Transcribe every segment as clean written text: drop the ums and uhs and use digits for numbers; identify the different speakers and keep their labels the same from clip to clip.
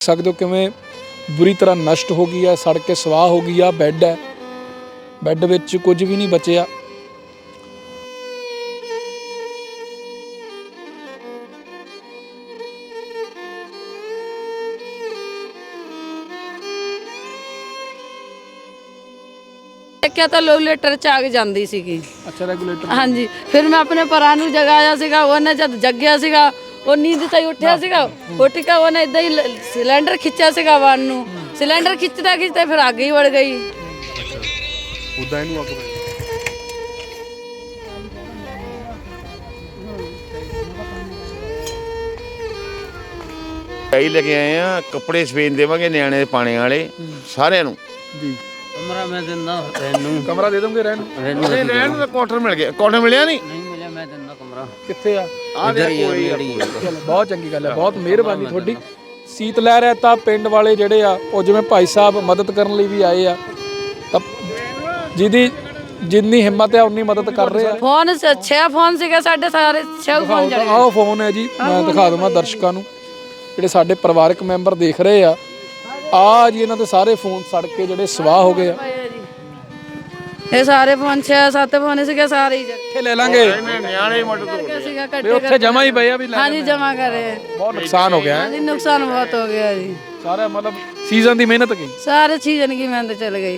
Speaker 1: सकते हो किवें बुरी तरह नष्ट हो गई है, सड़ के सवाह हो गई है। बैड है, बैड विच कुछ भी नहीं बचिया।
Speaker 2: देखिया तो रेगूलेटर च आग जाती सी।
Speaker 1: अच्छा, रेगूलेटर।
Speaker 2: हाँ जी, फिर मैं अपने भरा नूं जगाया सीगा, उन्हें जब जगिया सीगा वो नींद से उठिया सीगा, उठ के उन्हें इदा ही सिलेंडर खिंचा सीगा वन नूं, सिलेंडर खिंचता खिंचता फिर आग ही बढ़ गई।
Speaker 3: उदा इनू अग कई लेके आए हैं, कपड़े सफेद देवांगे नियाणे पाने वाले सारिਆਂ ਨੂੰ
Speaker 1: जी।
Speaker 4: कमरा मैं दिंदा रहन
Speaker 1: कमरा दे दोगे रहन?
Speaker 3: नहीं रहन ਦਾ ਕੁਆਟਰ ਮਿਲ ਗਿਆ, ਕੁਆਟਰ ਮਿਲਿਆ ਨਹੀਂ
Speaker 4: नहीं मिले मैं दिंदा कमरा
Speaker 1: कित्थे आ?
Speaker 4: इधर ही है।
Speaker 1: ਚਲੋ ਬਹੁਤ ਚੰਗੀ ਗੱਲ ਹੈ, ਬਹੁਤ ਮਿਹਰਬਾਨੀ ਤੁਹਾਡੀ। ਸੀਤ ਲਹਿਰ ਹੈ ਤਾਂ ਪਿੰਡ ਵਾਲੇ ਜਿਹੜੇ ਆ ਉਹ ਜਿਵੇਂ ਭਾਈ ਸਾਹਿਬ ਮਦਦ ਕਰਨ ਲਈ ਵੀ ਆਏ ਆ, ਤਾਂ ਜਿਹਦੀ ਜਿੰਨੀ ਹਿੰਮਤ ਹੈ ਉਨੀ ਮਦਦ ਕਰ ਰਹੇ ਆ।
Speaker 2: फोन से 6 फोन ਸੀਗੇ ਸਾਡੇ ਸਾਰੇ 6 फोन जल
Speaker 1: ਆਹ ਫੋਨ ਹੈ ਜੀ, ਮੈਂ ਦਿਖਾ ਦਵਾਂ ਦਰਸ਼ਕਾਂ ਨੂੰ ਜਿਹੜੇ ਸਾਡੇ ਪਰਿਵਾਰਕ ਮੈਂਬਰ ਦੇਖ ਰਹੇ ਆ। ਆ ਜੀ ਇਹਨਾਂ ਦੇ ਸਾਰੇ ਫੋਨ ਸੜ ਕੇ ਜਿਹੜੇ ਸਵਾਹ ਹੋ ਗਏ ਆ।
Speaker 2: ਇਹ ਸਾਰੇ फोन 6-7 फोन ਸੀਗੇ ਸਾਰੇ ਹੀ
Speaker 1: ਇੱਥੇ ਲੈ ਲਾਂਗੇ
Speaker 3: ਨਿਆਣੇ ਹੀ ਮਦਦ ਹੋ
Speaker 2: ਸੀਗਾ
Speaker 1: ਵੀ ਉੱਥੇ ਜਮਾ ਹੀ ਪਏ ਆ ਵੀ ਲੈ
Speaker 2: हाँ जी जमा करे।
Speaker 1: ਬਹੁਤ ਨੁਕਸਾਨ ਹੋ ਗਿਆ
Speaker 2: हाँ
Speaker 1: ਹੈ
Speaker 2: जी नुकसान बहुत हो गया जी,
Speaker 1: ਸਾਰਾ, ਮਤਲਬ ਸੀਜ਼ਨ ਦੀ ਮਿਹਨਤ ਗਈ।
Speaker 2: सारे सीजन की मेहनत चल गई।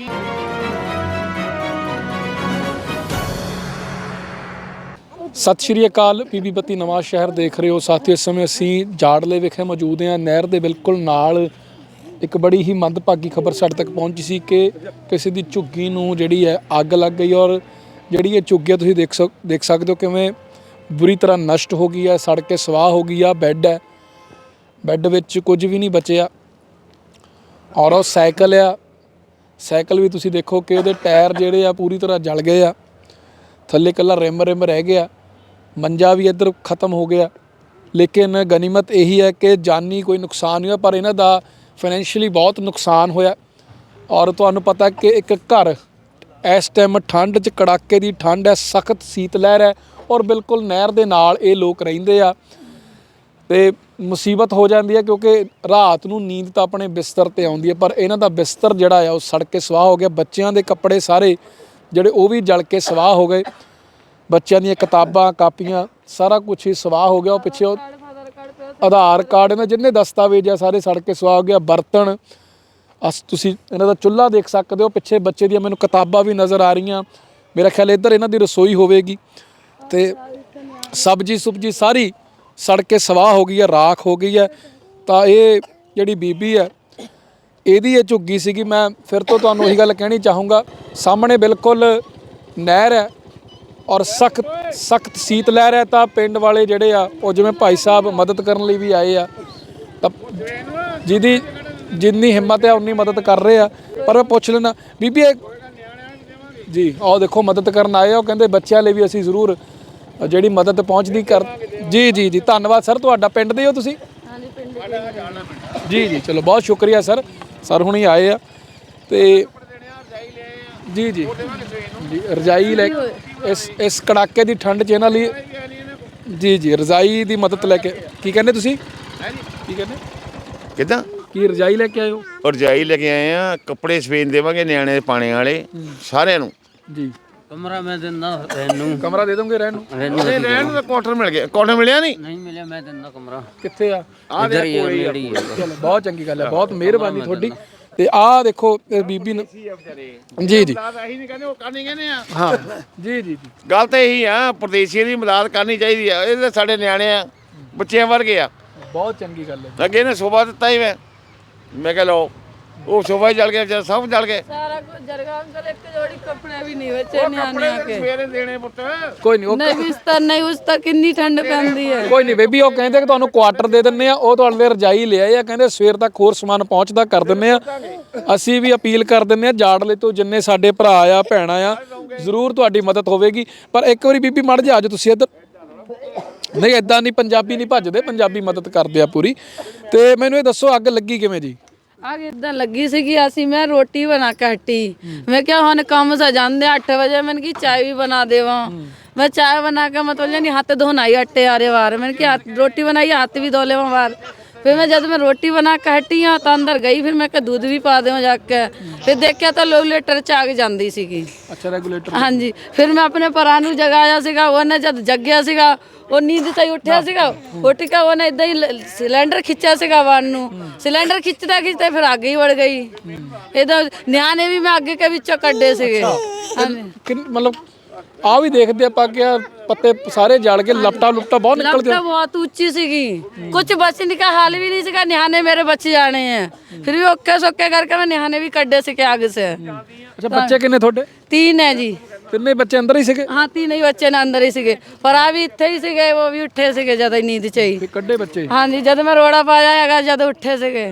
Speaker 1: ਸਤਿ ਸ਼੍ਰੀ ਅਕਾਲ, ਪੀਬੀ ਬੱਤੀ ਨਵਾਂ ਸ਼ਹਿਰ ਦੇਖ ਰਹੇ ਹੋ ਸਾਥੀਓ। ਇਸ ਸਮੇਂ ਅਸੀਂ ਜਾੜਲੇ ਵਿਖੇ ਮੌਜੂਦ ਹਾਂ। ਨਹਿਰ ਦੇ ਬਿਲਕੁਲ ਨਾਲ ਇੱਕ ਬੜੀ ਹੀ ਮੰਦਭਾਗੀ ਖਬਰ ਸਾਡੇ ਤੱਕ ਪਹੁੰਚੀ ਸੀ ਕਿ ਕਿਸੇ ਦੀ ਝੁੱਗੀ ਨੂੰ ਜਿਹੜੀ ਹੈ ਅੱਗ ਲੱਗ ਗਈ, ਔਰ ਜਿਹੜੀ ਇਹ ਝੁੱਗੀ ਤੁਸੀਂ ਦੇਖ ਸਕਦੇ ਹੋ ਕਿਵੇਂ ਬੁਰੀ ਤਰ੍ਹਾਂ ਨਸ਼ਟ ਹੋ ਗਈ ਹੈ, ਸੜ ਕੇ ਸਵਾਹ ਹੋ ਗਈ ਆ। ਬੈੱਡ ਹੈ, ਬੈੱਡ ਵਿੱਚ ਕੁਝ ਵੀ ਨਹੀਂ ਬਚਿਆ। ਔਰ ਉਹ ਸਾਈਕਲ ਆ, ਸਾਈਕਲ ਵੀ ਤੁਸੀਂ ਦੇਖੋ ਕਿ ਉਹਦੇ ਟਾਇਰ ਜਿਹੜੇ ਆ ਪੂਰੀ ਤਰ੍ਹਾਂ ਜਲ ਗਏ ਆ, ਥੱਲੇ ਇਕੱਲਾ ਰਿਮ ਰਹਿ ਗਿਆ। ਮੰਜਾ ਵੀ ਇੱਧਰ ਖਤਮ ਹੋ ਗਿਆ। ਲੇਕਿਨ ਗਨੀਮਤ ਇਹੀ ਹੈ ਕਿ ਜਾਨੀ ਕੋਈ ਨੁਕਸਾਨ ਨਹੀਂ ਹੋਇਆ, ਪਰ ਇਹਨਾਂ ਦਾ ਫਾਈਨੈਂਸ਼ੀਅਲੀ ਬਹੁਤ ਨੁਕਸਾਨ ਹੋਇਆ। ਔਰ ਤੁਹਾਨੂੰ ਪਤਾ ਕਿ ਇੱਕ ਘਰ ਇਸ ਟਾਈਮ ਠੰਡ 'ਚ, ਕੜਾਕੇ ਦੀ ਠੰਡ ਹੈ, ਸਖਤ ਸੀਤ ਲਹਿਰ ਹੈ, ਔਰ ਬਿਲਕੁਲ ਨਹਿਰ ਦੇ ਨਾਲ ਇਹ ਲੋਕ ਰਹਿੰਦੇ ਆ। ਤੇ ਮੁਸੀਬਤ ਹੋ ਜਾਂਦੀ ਹੈ ਕਿਉਂਕਿ ਰਾਤ ਨੂੰ ਨੀਂਦ ਤਾਂ ਆਪਣੇ ਬਿਸਤਰ 'ਤੇ ਆਉਂਦੀ ਹੈ, ਪਰ ਇਹਨਾਂ ਦਾ ਬਿਸਤਰ ਜਿਹੜਾ ਆ ਉਹ ਸੜ ਕੇ ਸਵਾਹ ਹੋ ਗਿਆ। ਬੱਚਿਆਂ ਦੇ ਕੱਪੜੇ ਸਾਰੇ ਜਿਹੜੇ ਉਹ ਵੀ ਜਲ ਕੇ ਸਵਾਹ ਹੋ ਗਏ। ਬੱਚਿਆਂ ਦੀਆਂ ਕਿਤਾਬਾਂ, ਕਾਪੀਆਂ, ਸਾਰਾ ਕੁਝ ਹੀ ਸਵਾਹ ਹੋ ਗਿਆ। ਉਹ ਪਿੱਛੇ ਉਹ ਆਧਾਰ ਕਾਰਡ ਇਹਨਾਂ ਜਿੰਨੇ ਦਸਤਾਵੇਜ਼ ਆ ਸਾਰੇ ਸੜ ਕੇ ਸਵਾਹ ਹੋ ਗਿਆ। ਬਰਤਨ, ਤੁਸੀਂ ਇਹਨਾਂ ਦਾ ਚੁੱਲ੍ਹਾ ਦੇਖ ਸਕਦੇ ਹੋ। ਪਿੱਛੇ ਬੱਚੇ ਦੀਆਂ ਮੈਨੂੰ ਕਿਤਾਬਾਂ ਵੀ ਨਜ਼ਰ ਆ ਰਹੀਆਂ। ਮੇਰਾ ਖਿਆਲ ਇੱਧਰ ਇਹਨਾਂ ਦੀ ਰਸੋਈ ਹੋਵੇਗੀ। ਤੇ ਸਬਜ਼ੀ ਸਾਰੀ ਸੜ ਕੇ ਸਵਾਹ ਹੋ ਗਈ ਹੈ, ਰਾਖ ਹੋ ਗਈ ਹੈ। ਤਾਂ ਇਹ ਜਿਹੜੀ ਬੀਬੀ ਹੈ ਇਹਦੀ ਇਹ ਝੁੱਗੀ ਸੀਗੀ। ਮੈਂ ਫਿਰ ਤੋਂ ਤੁਹਾਨੂੰ ਉਹੀ ਗੱਲ ਕਹਿਣੀ ਚਾਹੂੰਗਾ, ਸਾਹਮਣੇ ਬਿਲਕੁਲ ਨਹਿਰ ਹੈ ਔਰ ਸਖਤ ਸੀਤ ਲਹਿਰ ਹੈ। ਤਾਂ ਪਿੰਡ ਵਾਲੇ ਜਿਹੜੇ ਆ ਉਹ ਜਿਵੇਂ ਭਾਈ ਸਾਹਿਬ ਮਦਦ ਕਰਨ ਲਈ ਵੀ ਆਏ ਆ, ਤਾਂ ਜਿਹਦੀ ਜਿੰਨੀ ਹਿੰਮਤ ਹੈ ਉਨੀ ਮਦਦ ਕਰ ਰਹੇ ਆ। ਪਰ ਮੈਂ ਪੁੱਛ ਲੈਣਾ ਬੀਬੀ ਜੀ, ਆਓ ਦੇਖੋ ਮਦਦ ਕਰਨ ਆਏ ਆ। ਉਹ ਕਹਿੰਦੇ ਬੱਚਿਆਂ ਲਈ ਵੀ ਅਸੀਂ ਜ਼ਰੂਰ ਜਿਹੜੀ ਮਦਦ ਪਹੁੰਚਦੀ ਕਰ। ਜੀ ਧੰਨਵਾਦ ਸਰ, ਤੁਹਾਡਾ ਪਿੰਡ ਦੇ ਹੋ ਤੁਸੀਂ? ਜੀ ਚਲੋ ਬਹੁਤ ਸ਼ੁਕਰੀਆ ਸਰ ਹੁਣੀ ਆਏ ਆ। ਤੇ ਜੀ ਰਜਾਈ ਲੈ ਇਸ ਕੜਾਕੇ ਦੀ ਠੰਡ 'ਚ ਇਹਨਾਂ ਲਈ ਜੀ ਰਜਾਈ ਦੀ ਮਦਦ ਲੈ ਕੇ। ਕੀ ਕਹਿੰਦੇ ਤੁਸੀਂ? ਕੀ ਕਹਿੰਦੇ
Speaker 3: ਕਿਦਾਂ
Speaker 1: ਕੀ ਰਜਾਈ ਲੈ ਕੇ ਆਏ ਹੋ?
Speaker 3: ਰਜਾਈ ਲੈ ਕੇ ਆਏ ਆ, ਕੱਪੜੇ ਸਫੇਦ ਦੇਵਾਂਗੇ ਨਿਆਣੇ ਪਾਣੇ ਵਾਲੇ ਸਾਰਿਆਂ ਨੂੰ
Speaker 4: जी कमरा मैं दिंदा रहन
Speaker 1: ਕਮਰਾ ਦੇ ਦੋਗੇ ਰਹਿਣ ਨੂੰ?
Speaker 3: ਨਹੀਂ ਰਹਿਣ ਦਾ ਕੁਆਟਰ ਮਿਲ ਗਿਆ, ਕੁਆਟਰ ਮਿਲਿਆ ਨਹੀਂ
Speaker 4: नहीं मिले मैं दिंदा कमरा
Speaker 1: ਕਿੱਥੇ ਆ?
Speaker 4: इधर ही है।
Speaker 1: ਚਲੋ ਬਹੁਤ ਚੰਗੀ ਗੱਲ ਹੈ, ਬਹੁਤ ਮਿਹਰਬਾਨੀ ਤੁਹਾਡੀ। ਤੇ ਆਹ ਦੇਖੋ ਇਹ ਬੀਬੀ ਨੂੰ ਜੀ
Speaker 3: ਅਸੀਂ ਨਹੀਂ ਕਹਿੰਦੇ, ਉਹ ਕਰਨੀ ਕਹਿੰਦੇ ਆ।
Speaker 1: ਹਾਂ ਜੀ
Speaker 3: ਗੱਲ ਤਾਂ ਇਹੀ ਆ, ਪ੍ਰਦੇਸ਼ੀਆਂ ਦੀ ਮਦਦ ਕਰਨੀ ਚਾਹੀਦੀ ਆ। ਇਹ ਤਾਂ ਸਾਡੇ ਨਿਆਣੇ ਆ, ਬੱਚਿਆਂ ਵਰਗੇ ਆ।
Speaker 1: ਬਹੁਤ ਚੰਗੀ ਗੱਲ ਹੈ।
Speaker 3: ਅੱਗੇ ਨੇ ਸੋਭਾ ਦਿੱਤਾ ਹੀ ਮੈਂ ਕਿਹਾ ਲਓ, ਉਹ ਸੋਭਾ ਹੀ ਜਲ ਗਿਆ, ਸਭ ਜਲ ਗਏ।
Speaker 2: सारा कुछ जल गया अंकल, एक जोड़ी कपड़े भी नहीं बचे नियाने के।
Speaker 3: ਸਵੇਰੇ ਦੇਣੇ ਪੁੱਤ।
Speaker 1: ਕੋਈ ਨਹੀਂ,
Speaker 2: नहीं बिस्तर नहीं उस तक कितनी ठंड पैंदी है।
Speaker 1: ਕੋਈ ਨਹੀਂ ਬੇਬੀ, ਉਹ ਕਹਿੰਦੇ ਕਿ ਤੁਹਾਨੂੰ ਕੁਆਟਰ ਦੇ ਦਿੰਨੇ ਆ। ਉਹ ਤੁਹਾਡੇ ਲਈ ਰਜਾਈ ਲਿਆਏ ਆ, ਕਹਿੰਦੇ ਸਵੇਰ ਤੱਕ ਹੋਰ ਸਮਾਨ ਪਹੁੰਚਦਾ ਕਰ ਦਿੰਨੇ ਆ। ਅਸੀਂ ਵੀ ਅਪੀਲ ਕਰ ਦਿੰਨੇ ਆ ਜਾੜਲੇ ਤੋਂ ਜਿੰਨੇ ਸਾਡੇ ਭਰਾ ਆ, ਭੈਣਾਂ ਆ, ਜ਼ਰੂਰ ਤੁਹਾਡੀ ਮਦਦ ਹੋਵੇਗੀ। ਪਰ ਇੱਕ ਵਾਰੀ ਬੀਬੀ ਮੜ ਜਾ ਜਾਓ ਤੁਸੀਂ ਇੱਧਰ। ਨਹੀਂ ਇੱਦਾਂ ਨਹੀਂ, ਪੰਜਾਬੀ ਨਹੀਂ ਭੱਜਦੇ, ਪੰਜਾਬੀ ਮਦਦ ਕਰਦੇ ਆ ਪੂਰੀ। ਤੇ ਮੈਨੂੰ ਇਹ ਦੱਸੋ ਅੱਗ ਲੱਗੀ ਕਿਵੇਂ ਜੀ?
Speaker 2: आग इदा लगी सी कि मैं रोटी बना के हटी। मैं क्या हम काम से जाते 8 बजे मैंने की चाय भी बना देवा। मैं चाय बना के मतलब नहीं हाथ धोना ही अट्टे आ रहे बार। मैंने क्या रोटी बनाई हाथ भी धो ले बार। फिर मैं जब मैं रोटी बना के हटी हाँ तो अंदर गई, फिर मैं दूध भी पा देव जाके, फिर देखिया तो रेगूलेटर च आग जाती सी।
Speaker 1: ਅੱਛਾ ਰੈਗੂਲੇਟਰ
Speaker 2: हाँ जी, फिर मैं अपने भरा ਨੂੰ जगाया ਸੀਗਾ, ਉਹਨੇ ਜਦ ਜਗਿਆ ਸੀਗਾ ਉਹ ਨੀਂਦ ਤੋਂ ਹੀ ਉੱਠਿਆ ਸੀਗਾ, ਉੱਠ ਕੇ ਉਹਨੇ ਇਦਾਂ ਹੀ ਸਿਲੰਡਰ ਖਿੱਚਿਆ ਸੀਗਾ ਵਾਨ ਨੂੰ, ਸਿਲੰਡਰ ਖਿੱਚਦਾ ਖਿੱਚਦਾ ਫਿਰ ਅੱਗ ਹੀ ਵੜ ਗਈ। ਇਹਦਾ ਨਿਆਣੇ ਵੀ ਮੈਂ ਅੱਗੇ ਕੇ ਵਿੱਚੋਂ ਕੱਢੇ ਸੀਗੇ।
Speaker 1: ਮਤਲਬ ਆ ਵੀ ਦੇਖਦੇ ਆਪਾਂ ਕਿ ਪੱਤੇ ਸਾਰੇ ਜਲ ਕੇ ਲਪਟਾ ਬਹੁਤ ਨਿਕਲਦੇ
Speaker 2: लपटा बहुत ऊंची सीगी, कुछ बचने का हाल भी नहीं सीगा, निहाने मेरे बच जाने हैं, फिर भी ओके सोके करके मैं निहाने भी कड्डे सीखे आग से।
Speaker 1: ਅੱਛਾ ਬੱਚੇ ਕਿੰਨੇ ਤੁਹਾਡੇ?
Speaker 2: 3 है जी।
Speaker 1: ਤਿੰਨੇ ਬੱਚੇ ਅੰਦਰ ਹੀ ਸੀਗੇ?
Speaker 2: हाँ 3 ही बच्चे ने अंदर ही सीगे, पर आ भी इत्थे ही सीगे, वो भी उठे सीगे जद नींद च ही।
Speaker 1: ਤੇ ਕੱਢੇ ਬੱਚੇ?
Speaker 2: हाँ जी, जद मैं रोड़ा पाया हैगा जद उठे सीगे।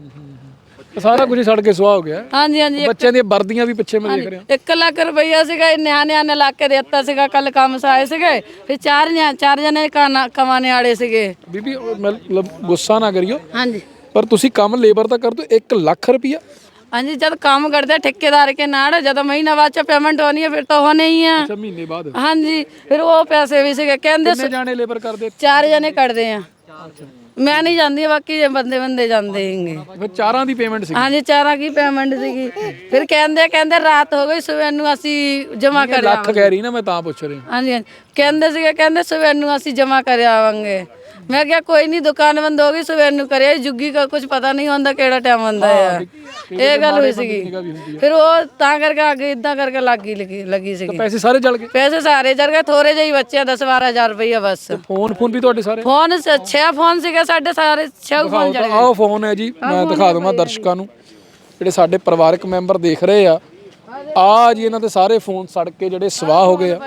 Speaker 1: ਸਾਰਾ ਕੁਝ ਸੜ ਕੇ ਸੁਆਹ ਹੋ ਗਿਆ।
Speaker 2: हाँ जी हाँ जी।
Speaker 1: ਬੱਚਿਆਂ ਦੀਆਂ ਵਰਦੀਆਂ ਵੀ ਪਿੱਛੇ ਮੈਂ ਦੇਖ ਰਿਹਾ।
Speaker 2: 1 ਲੱਖ ਰੁਪਈਆ ਸੀਗਾ, ਨਿਆਣੇ ਆਨੇ ਲਾ ਕੇ ਦੇਤਾ ਸੀਗਾ, ਕੱਲ ਕੰਮ ਸੇ ਆਏ ਸੀਗੇ, ਫਿਰ 4 ਜਣੇ ਕਮਾਣੇ ਵਾਲੇ ਸੀਗੇ।
Speaker 1: ਬੀਬੀ ਮਤਲਬ ਗੁੱਸਾ ਨਾ ਕਰਿਓ,
Speaker 2: हाँ जी
Speaker 1: ਪਰ ਤੁਸੀਂ ਕੰਮ ਲੇਬਰ ਦਾ ਕਰਦੇ ਹੋ 1 ਲੱਖ ਰੁਪਈਆ?
Speaker 2: हाँ जी, जब काम करते ठेकेदार के नाड़, जब महीना बाद पेमेंट होनी है फिर तो होने ही है।
Speaker 1: ਅੱਛਾ ਮਹੀਨੇ ਬਾਅਦ?
Speaker 2: हाँ जी, फिर वो पैसे भी सीगे कहते
Speaker 1: ਕਿੰਨੇ ਜਾਣੇ ਲੇਬਰ ਕਰਦੇ?
Speaker 2: 4 जने करते हैं। मैं नहीं जानती, बाकी ये बंदे जानते होंगे।
Speaker 1: ਫਿਰ ਚਾਰਾਂ ਦੀ ਪੇਮੈਂਟ ਸੀ?
Speaker 2: हाँ जी, 4 की पेमेंट सीगी, फिर कहते रात हो गई, सुबह ਨੂੰ ਅਸੀਂ जमा कर
Speaker 1: ਲੱਖ ਕਹਿ ਰਹੀ ਨਾ, ਮੈਂ ਤਾਂ ਪੁੱਛ ਰਹੀ।
Speaker 2: हाँ जी कहते सुबह ਨੂੰ ਅਸੀਂ जमा कर आवांगे। मैं क्या कोई नहीं, दुकान बंद हो गई, सुबह ਨੂੰ करिਆ, जुग्गी का कुछ पता नहीं होता ਕਿਹੜਾ ਟਾਈਮ ਹੁੰਦਾ ਹੈ। ਇਹ ਗੱਲ ਹੋਈ ਸੀਗੀ, ਫਿਰ ਉਹ ਤਾਂ ਕਰਕੇ ਅੱਗੇ ਇਦਾਂ ਕਰਕੇ ਲੱਗੀ ਸੀਗੀ।
Speaker 1: ਪੈਸੇ ਸਾਰੇ ਜਲ ਗਏ?
Speaker 2: ਪੈਸੇ ਸਾਰੇ ਜਲ ਗਏ, ਥੋੜੇ ਜਿਹੀ ਬੱਚੇ 10-12 ਹਜ਼ਾਰ ਰੁਪਈਆ ਬਸ।
Speaker 1: ਫੋਨ ਵੀ ਤੁਹਾਡੇ ਸਾਰੇ?
Speaker 2: ਫੋਨ 6 ਫੋਨ ਸੀਗੇ ਸਾਡੇ, ਸਾਰੇ 6 ਫੋਨ ਜਲ ਗਏ।
Speaker 1: ਆਹ ਫੋਨ ਹੈ ਜੀ, ਮੈਂ ਦਿਖਾ ਦਵਾਂ ਦਰਸ਼ਕਾਂ ਨੂੰ ਜਿਹੜੇ ਸਾਡੇ ਪਰਿਵਾਰਕ ਮੈਂਬਰ ਦੇਖ ਰਹੇ ਆ। ਆ ਜੀ ਇਹਨਾਂ ਦੇ ਸਾਰੇ ਫੋਨ ਸੜ ਕੇ ਜਿਹੜੇ ਸਵਾਹ ਹੋ ਗਏ ਆ।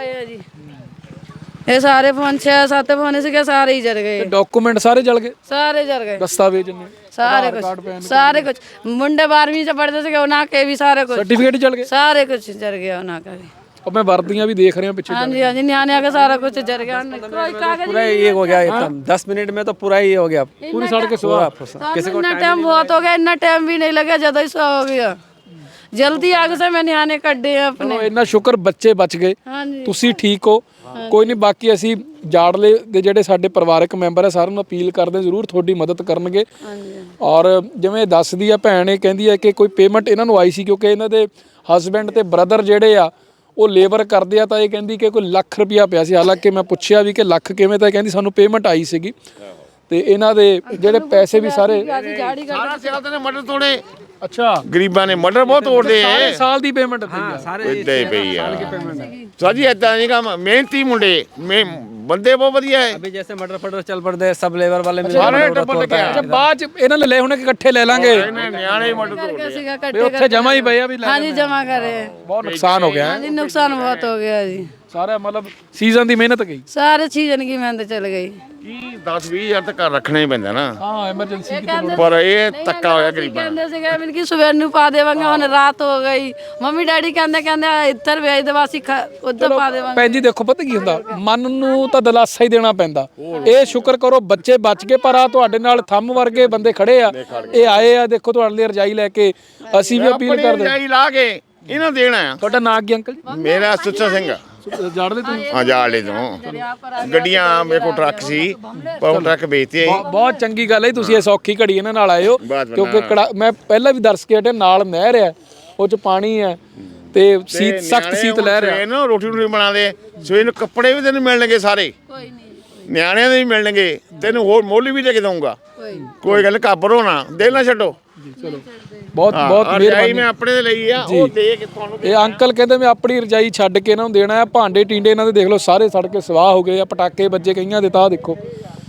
Speaker 2: ਇਹ ਸਾਰੇ ਫੋਨ 6-7 ਫੋਨ ਸੀਗੇ, ਸਾਰੇ ਹੀ ਜਲ ਗਏ।
Speaker 1: ਡਾਕੂਮੈਂਟ ਸਾਰੇ ਜਲ ਗਏ?
Speaker 2: ਸਾਰੇ ਜਲ ਗਏ,
Speaker 1: ਦਸਤਾਵੇਜ਼ ਨੇ
Speaker 2: ਸਾਰੇ ਕੁਝ। ਮੁੰਡੇ 12ਵੀਂ ਚ ਪੜਦੇ ਸੀਗੇ, ਉਹਨਾਂ ਕੇ ਵੀ ਸਾਰੇ ਕੁਝ,
Speaker 1: ਸਰਟੀਫਿਕੇਟ ਜਲ ਗਏ,
Speaker 2: ਸਾਰੇ ਕੁਝ ਜਲ ਗਿਆ ਉਹਨਾਂ का भी।
Speaker 1: अब मैं वर्दियां भी देख रहे हैं पीछे।
Speaker 2: हाँ जी हाँ जी, नियाने आके सारा कुछ जल गया, कोई कागज
Speaker 5: पूरा ये हो गया एकदम 10 मिनट में तो पूरा ये हो गया,
Speaker 1: पूरी सड़क के सुहा।
Speaker 2: किसी को टाइम बहुत हो गया, इतना टाइम भी नहीं लगा, ज्यादा ही सुहा हो गया। जल्दी आग से मैं नियाने ਕੱਢੇ अपने।
Speaker 1: ਇੰਨਾ ਸ਼ੁਕਰ ਬੱਚੇ ਬਚ ਗਏ, ਤੁਸੀਂ ਠੀਕ ਹੋ। ਕੋਈ ਨਹੀਂ, ਬਾਕੀ ਅਸੀਂ ਜਾੜਲੇ ਦੇ ਜਿਹੜੇ ਸਾਡੇ ਪਰਿਵਾਰਕ ਮੈਂਬਰ ਆ ਸਾਰਿਆਂ ਨੂੰ ਅਪੀਲ ਕਰਦੇ ਜ਼ਰੂਰ ਤੁਹਾਡੀ ਮਦਦ ਕਰਨਗੇ। ਔਰ ਜਿਵੇਂ ਦੱਸਦੀ ਆ ਭੈਣ, ਇਹ ਕਹਿੰਦੀ ਹੈ ਕਿ ਕੋਈ ਪੇਮੈਂਟ ਇਹਨਾਂ ਨੂੰ ਆਈ ਸੀ, ਕਿਉਂਕਿ ਇਹਨਾਂ ਦੇ ਹਸਬੈਂਡ ਤੇ ਬ੍ਰਦਰ ਜਿਹੜੇ ਆ ਉਹ ਲੇਬਰ ਕਰਦੇ ਆ, ਤਾਂ ਇਹ ਕਹਿੰਦੀ ਕਿ ਕੋਈ ਲੱਖ ਰੁਪਇਆ ਪਿਆ ਸੀ। ਹਾਲਾਂਕਿ ਮੈਂ ਪੁੱਛਿਆ ਵੀ ਕਿ ਲੱਖ ਕਿਵੇਂ, ਤਾਂ ਇਹ ਕਹਿੰਦੀ ਸਾਨੂੰ ਪੇਮੈਂਟ ਆਈ ਸੀਗੀ, ਤੇ ਇਹਨਾਂ ਦੇ ਜਿਹੜੇ ਪੈਸੇ ਵੀ ਸਾਰੇ
Speaker 3: ਸਾਰਾ ਸਿਆਲ ਨੇ ਮਟਰ ਤੋੜੇ।
Speaker 1: ਅੱਛਾ,
Speaker 3: ਗਰੀਬਾਂ ਨੇ ਮਟਰ ਬਹੁਤ ਤੋੜਦੇ ਐ।
Speaker 1: ਸਾਰੇ ਸਾਲ ਦੀ ਪੇਮੈਂਟ
Speaker 3: ਸਾਰੇ ਇੱਦਾਂ ਹੀ ਪਈ ਆ ਸਾਜੀ, ਏਦਾਂ ਨਹੀਂ ਕੰਮ। ਮਿਹਨਤੀ ਮੁੰਡੇ, ਬੰਦੇ ਬਹੁਤ ਵਧੀਆ ਹੈ।
Speaker 5: अभी जैसे मटर फटर चल पड़ते हैं, सब लेबर वाले मिल
Speaker 3: ਸਾਰੇ ਟੱਬਰ ਲੱਗਿਆ।
Speaker 1: ਅੱਛਾ, ਬਾਅਦ ਚ ਇਹਨਾਂ ਨੇ ਲੈ ਹੁਣ ਇਕੱਠੇ ਲੈ ਲਾਂਗੇ।
Speaker 3: ਨਿਆਣੇ ਮਟਰ ਤੋੜਦੇ
Speaker 1: ਤੇ ਉੱਥੇ ਜਮਾ ਹੀ ਪਏ ਆ ਵੀ ਲੈ।
Speaker 2: हाँ जी, जमा करे।
Speaker 1: ਬਹੁਤ ਨੁਕਸਾਨ ਹੋ ਗਿਆ
Speaker 2: हाँ जी, नुकसान बहुत हो गया जी,
Speaker 1: ਸਾਰਾ ਮਤਲਬ ਸੀਜ਼ਨ ਦੀ ਮਿਹਨਤ ਗਈ।
Speaker 2: सारे चीजन की मेहनत चल गई।
Speaker 3: ਕੀ 10-20 ਹਜ਼ਾਰ ਤਾਂ ਘਰ ਰੱਖਣਾ ਹੀ ਪੈਂਦਾ ਨਾ।
Speaker 1: ਹਾਂ, ਐਮਰਜੈਂਸੀ
Speaker 3: ਪਰ ਇਹ ਧੱਕਾ ਹੋਇਆ ਗਰੀਬਾਂ ਨਾਲ।
Speaker 2: ਕਹਿੰਦੇ ਸੀਗੇ ਮਿਲ ਕਿ ਸਵੇਰ ਨੂੰ ਪਾ ਦੇਵਾਂਗੇ, ਹੁਣ ਰਾਤ ਹੋ ਗਈ। ਮੰਮੀ ਡੈਡੀ ਕਹਿੰਦੇ ਇੱਧਰ ਵੇਚ ਦੇ, ਵਾਸੀ ਉੱਧਰ ਪਾ ਦੇਵਾਂਗੇ।
Speaker 1: ਭੈਣ ਜੀ ਦੇਖੋ, ਪਤਾ ਕੀ ਹੁੰਦਾ, ਮਨ ਨੂੰ ਤਾਂ ਦਿਲਾਸਾ ਹੀ ਦੇਣਾ ਪੈਂਦਾ। ਇਹ ਸ਼ੁਕਰ ਕਰੋ ਬੱਚੇ ਬਚ ਗਏ, ਪਰ ਆ ਤੁਹਾਡੇ ਨਾਲ ਥੰਮ ਵਰਗੇ ਬੰਦੇ ਖੜੇ ਆ, ਇਹ ਆਏ ਆ ਦੇਖੋ ਤੁਹਾਡੇ ਲਈ ਰਜਾਈ ਲੈ ਕੇ। ਅਸੀਂ ਵੀ ਅਪੀਲ ਕਰਦੇ
Speaker 3: ਰਜਾਈ ਲਾ ਕੇ ਇਹਨਾਂ ਦੇਣਾ ਆ।
Speaker 1: ਤੁਹਾਡਾ ਨਾਂ ਕੀ ਅੰਕਲ ਜੀ?
Speaker 3: ਮੇਰਾ ਸੁੱਚਾ ਸਿੰਘ ਆ,
Speaker 1: ਜਾਣਦੇ ਤੁਸੀਂ?
Speaker 3: ਹਾਂ ਜਾਲੇ ਤੋਂ। ਗੱਡੀਆਂ ਮੇਰੇ ਕੋਲ ਟਰੱਕ ਸੀ, ਪਰ ਉਹ ਟਰੱਕ ਵੇਚਤੇ।
Speaker 1: ਬਹੁਤ ਚੰਗੀ ਗੱਲ ਹੈ, ਤੁਸੀਂ ਇਹ ਸੌਖੀ ਘੜੀ ਇਹਨਾਂ ਨਾਲ ਆਏ ਹੋ, ਕਿਉਂਕਿ ਮੈਂ ਪਹਿਲਾਂ ਵੀ ਦਰਸ ਕੇ ਹਟਿਆ, ਨਾਲ ਨਹਿਰ ਹੈ, ਉਹ ਚ ਪਾਣੀ ਹੈ ਤੇ ਸੀਤ ਸਖਤ ਸੀਤ ਲੈ ਰਿਹਾ।
Speaker 3: ਨਾ ਰੋਟੀ ਰੋਟੀ ਬਣਾਦੇ ਸਵੇਰ ਨੂੰ, ਕੱਪੜੇ ਵੀ ਤੈਨੂੰ ਮਿਲਣਗੇ ਸਾਰੇ,
Speaker 2: ਕੋਈ ਨਹੀਂ,
Speaker 3: ਨਿਆਣਿਆਂ ਦੇ ਵੀ ਮਿਲਣਗੇ, ਤੈਨੂੰ ਹੋਰ ਮੁੱਲ ਵੀ ਦੇ ਕੇ ਦਊਂਗਾ। ਕੋਈ ਗੱਲ ਘਾਬਰੋ ਨਾ, ਦਿਲ ਨਾ ਛੱਡੋ।
Speaker 1: ਚਲੋ, ਬਹੁਤ ਬਹੁਤ
Speaker 3: ਮਿਹਰਬਾਨੀ। ਮੈਂ ਆਪਣੇ ਦੇ ਲਈ ਆ, ਉਹ ਦੇ ਕੇ ਤੁਹਾਨੂੰ।
Speaker 1: ਇਹ ਅੰਕਲ ਕਹਿੰਦੇ ਮੈਂ ਆਪਣੀ ਰਜਾਈ ਛੱਡ ਕੇ ਇਹਨਾਂ ਨੂੰ ਦੇਣਾ ਹੈ। ਭਾਂਡੇ ਟੀਂਡੇ ਇਹਨਾਂ ਦੇ ਦੇਖ ਲਓ ਸਾਰੇ ਸੜ ਕੇ ਸਵਾਹ ਹੋ ਗਏ ਆ, ਪਟਾਕੇ ਵੱਜੇ ਕਈਆਂ ਦੇ, ਤਾਂ ਦੇਖੋ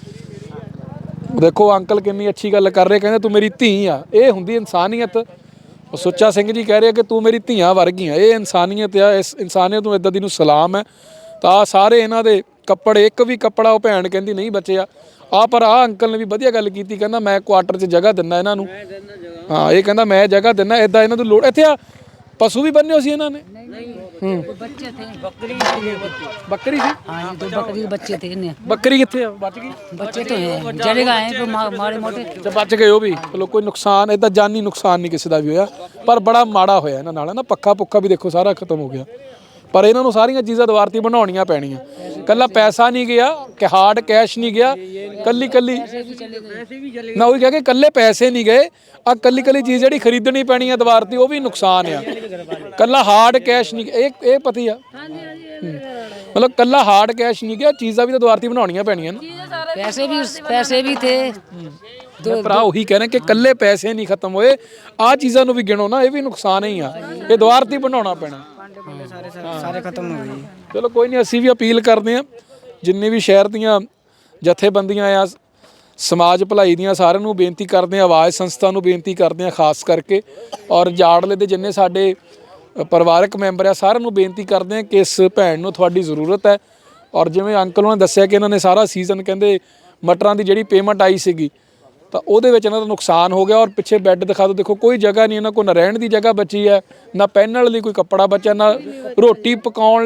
Speaker 1: ਦੇਖੋ ਅੰਕਲ ਕਿੰਨੀ ਅੱਛੀ ਗੱਲ ਕਰ ਰਹੇ, ਕਹਿੰਦੇ ਤੂੰ ਮੇਰੀ ਧੀ ਆ। ਇਹ ਹੁੰਦੀ ਇਨਸਾਨੀਅਤ। ਉਹ ਸੁੱਚਾ ਸਿੰਘ ਜੀ ਕਹਿ ਰਹੇ ਕਿ ਤੂੰ ਮੇਰੀ ਧੀਆਂ ਵਰਗੀ ਆ, ਇਹ ਇਨਸਾਨੀਅਤ ਆ। ਇਸ ਇਨਸਾਨੀਅਤ ਨੂੰ ਇੱਦਾਂ ਦੀ ਨੂੰ ਸਲਾਮ ਹੈ। ਤਾਂ ਸਾਰੇ ਇਹਨਾਂ ਦੇ ਕੱਪੜੇ, ਇੱਕ ਵੀ ਕੱਪੜਾ ਉਹ ਭੈਣ ਕਹਿੰਦੀ ਨਹੀਂ ਬਚਿਆ। ਪਰ ਆ ਅੰਕਲ ਨੇ ਵੀ ਵਧੀਆ ਗੱਲ ਕੀਤੀ, ਕਹਿੰਦਾ ਮੈਂ ਕੁਆਟਰ 'ਚ ਜਗ੍ਹਾ ਦਿੰਦਾ ਇਹਨਾਂ ਨੂੰ। ਹਾਂ, ਇਹ ਕਹਿੰਦਾ ਮੈਂ ਜਗ੍ਹਾ ਦਿੰਦਾ, ਇਦਾਂ ਇਹਨਾਂ ਨੂੰ ਲੋੜ। ਇੱਥੇ ਆ ਪਸ਼ੂ ਵੀ ਬੰਨੇ ਸੀ ਇਹਨਾਂ ਨੇ?
Speaker 6: बच्चे थे,
Speaker 1: ਬੱਕਰੀ ਸੀ?
Speaker 6: हाँ ये 2 बकरी के बच्चे थे इन्हें।
Speaker 1: ਬੱਕਰੀ ਕਿੱਥੇ ਆ? ਬਚ ਗਈ?
Speaker 6: बच्चे तो हैं, जलेगा है कोई मारे मोटे।
Speaker 1: ਤੇ ਬਚ ਗਏ ਉਹ ਵੀ। ਚਲੋ ਕੋਈ ਨੁਕਸਾਨ, ਇਦਾਂ ਜਾਨੀ ਨੁਕਸਾਨ ਨਹੀਂ ਕਿਸੇ ਦਾ ਵੀ ਹੋਇਆ, ਪਰ ਬੜਾ ਮਾੜਾ ਹੋਇਆ ਇਹਨਾਂ ਨਾਲ ਨਾ। ਪੱਖਾ ਪੁੱਖਾ ਵੀ ਦੇਖੋ ਸਾਰਾ ਖਤਮ ਹੋ ਗਿਆ। ਪਰ ਇਹਨਾਂ ਨੂੰ ਸਾਰੀਆਂ ਚੀਜ਼ਾਂ ਦੁਆਰਤੀ ਬਣਾਉਣੀਆਂ ਪੈਣੀਆਂ। ਕੱਲਾ ਪੈਸਾ ਨਹੀਂ ਗਿਆ ਕਿ ਹਾਰਡ ਕੈਸ਼ ਨਹੀਂ ਗਿਆ, ਕੱਲੀ ਨਾ ਉਹੀ ਕਹਿ ਕੇ ਕੱਲੇ ਪੈਸੇ ਨਹੀਂ ਗਏ, ਆ ਕੱਲੀ ਚੀਜ਼ ਜਿਹੜੀ ਖਰੀਦਣੀ ਪੈਣੀ ਆ ਦੁਆਰਤੀ ਉਹ ਵੀ ਨੁਕਸਾਨ ਆ। ਕੱਲਾ ਹਾਰਡ ਕੈਸ਼ ਨਹੀਂ, ਇਹ ਪਤੀ ਆ ਮਤਲਬ ਕੱਲਾ ਹਾਰਡ ਕੈਸ਼ ਨਹੀਂ ਗਿਆ, ਚੀਜ਼ਾਂ ਵੀ ਤਾਂ ਦੁਆਰਤੀ ਬਣਾਉਣੀਆਂ ਪੈਣੀਆਂ ਨਾ।
Speaker 6: पैसे भी थे।
Speaker 1: ਮੈਂ ਭਰਾ ਉਹੀ ਕਹਿ ਰਿਹਾ ਕਿ ਕੱਲੇ ਪੈਸੇ ਨਹੀਂ ਖਤਮ ਹੋਏ, ਆ ਚੀਜ਼ਾਂ ਨੂੰ ਵੀ ਗਿਣੋ ਨਾ, ਇਹ ਵੀ ਨੁਕਸਾਨ ਹੀ ਆ, ਇਹ ਦੁਆਰਤੀ ਬਣਾਉਣਾ ਪੈਣਾ।
Speaker 5: सारे खत्म हो गई।
Speaker 1: ਚਲੋ ਕੋਈ ਨਹੀਂ, ਅਸੀਂ ਵੀ ਅਪੀਲ ਕਰਦੇ ਹਾਂ ਜਿੰਨੇ ਵੀ ਸ਼ਹਿਰ ਦੀਆਂ ਜਥੇਬੰਦੀਆਂ ਆ, ਸਮਾਜ ਭਲਾਈ ਦੀਆਂ, ਸਾਰਿਆਂ ਨੂੰ ਬੇਨਤੀ ਕਰਦੇ ਹਾਂ, ਆਵਾਜ਼ ਸੰਸਥਾ ਨੂੰ ਬੇਨਤੀ ਕਰਦੇ ਹਾਂ ਖਾਸ ਕਰਕੇ, ਔਰ ਜਾੜਲੇ ਦੇ ਜਿੰਨੇ ਸਾਡੇ ਪਰਿਵਾਰਕ ਮੈਂਬਰ ਆ ਸਾਰਿਆਂ ਨੂੰ ਬੇਨਤੀ ਕਰਦੇ ਹਾਂ ਕਿ ਇਸ ਭੈਣ ਨੂੰ ਤੁਹਾਡੀ ਜ਼ਰੂਰਤ ਹੈ। ਔਰ ਜਿਵੇਂ ਅੰਕਲ ਉਹਨਾਂ ਨੇ ਦੱਸਿਆ ਕਿ ਇਹਨਾਂ ਨੇ ਸਾਰਾ ਸੀਜ਼ਨ ਕਹਿੰਦੇ ਮਟਰਾਂ ਦੀ ਜਿਹੜੀ ਪੇਮੈਂਟ ਆਈ ਸੀਗੀ ਤਾਂ ਉਹਦੇ ਵਿੱਚ ਇਹਨਾਂ ਦਾ ਨੁਕਸਾਨ ਹੋ ਗਿਆ। ਔਰ ਪਿੱਛੇ ਬੈੱਡ ਦਿਖਾ ਦਿਓ, ਦੇਖੋ ਕੋਈ ਜਗ੍ਹਾ ਨਹੀਂ ਇਹਨਾਂ ਕੋਲ, ਨਾ ਰਹਿਣ ਦੀ ਜਗ੍ਹਾ ਬਚੀ ਹੈ, ਨਾ ਪਹਿਨਣ ਲਈ ਕੋਈ ਕੱਪੜਾ ਬਚਿਆ, ਨਾ ਰੋਟੀ ਪਕਾਉਣ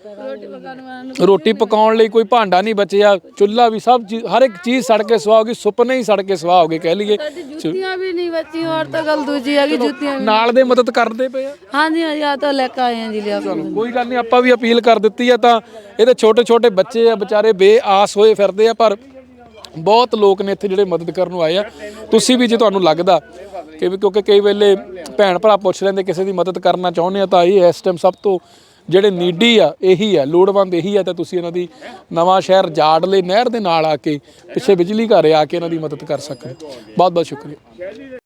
Speaker 1: ਲਈ ਕੋਈ ਭਾਂਡਾ ਨਹੀਂ ਬਚਿਆ, ਚੁੱਲ੍ਹਾ ਵੀ ਸਭ ਚੀਜ਼, ਹਰ ਇੱਕ ਚੀਜ਼ ਸੜ ਕੇ ਸੁਆਹ ਹੋ ਗਈ, ਸੁਪਨੇ ਹੀ ਸੜ ਕੇ ਸੁਆਹ ਹੋ ਗਏ ਕਹਿ ਲਈਏ।
Speaker 2: ਜੁੱਤੀਆਂ ਵੀ ਨਹੀਂ ਬਚੀਆਂ, ਔਰ ਤਾਂ ਗੱਲ ਦੂਜੀ ਹੈਗੀ ਜੁੱਤੀਆਂ
Speaker 1: ਨਾਲ ਦੇ ਮਦਦ ਕਰਦੇ ਪਏ ਆ।
Speaker 2: ਹਾਂਜੀ ਆ ਤਾਂ ਲੈ ਕੇ ਆਏ ਆ ਜੀ ਲਿਆ ਕੇ।
Speaker 1: ਕੋਈ ਗੱਲ ਨਹੀਂ, ਆਪਾਂ ਵੀ ਅਪੀਲ ਕਰ ਦਿੱਤੀ ਆ। ਤਾਂ ਇਹਦੇ ਛੋਟੇ ਬੱਚੇ ਆ ਵਿਚਾਰੇ ਬੇਆਸ ਹੋਏ ਫਿਰਦੇ ਆ, ਪਰ ਬਹੁਤ ਲੋਕ ਨੇ ਇੱਥੇ ਜਿਹੜੇ ਮਦਦ ਕਰਨ ਨੂੰ ਆਏ ਆ। ਤੁਸੀਂ ਵੀ ਜੇ ਤੁਹਾਨੂੰ ਲੱਗਦਾ ਕਿ ਕਿਉਂਕਿ ਕਈ ਵੇਲੇ ਭੈਣ ਭਰਾ ਪੁੱਛ ਲੈਂਦੇ ਕਿਸੇ ਦੀ ਮਦਦ ਕਰਨਾ ਚਾਹੁੰਦੇ ਆ, ਤਾਂ ਇਹ ਇਸ ਟਾਈਮ ਸਭ ਤੋਂ ਜਿਹੜੇ ਨੀਡੀ ਆ ਇਹੀ ਆ, ਲੋੜਵੰਦ ਇਹੀ ਆ। ਤਾਂ ਤੁਸੀਂ ਇਹਨਾਂ ਦੀ ਨਵਾਂ ਸ਼ਹਿਰ ਜਾੜਲੇ ਨਹਿਰ ਦੇ ਨਾਲ ਆ ਕੇ ਪਿੱਛੇ ਬਿਜਲੀ ਘਰ ਆ ਕੇ ਇਹਨਾਂ ਦੀ ਮਦਦ ਕਰ ਸਕਦੇ। ਬਹੁਤ ਬਹੁਤ ਸ਼ੁਕਰੀਆ।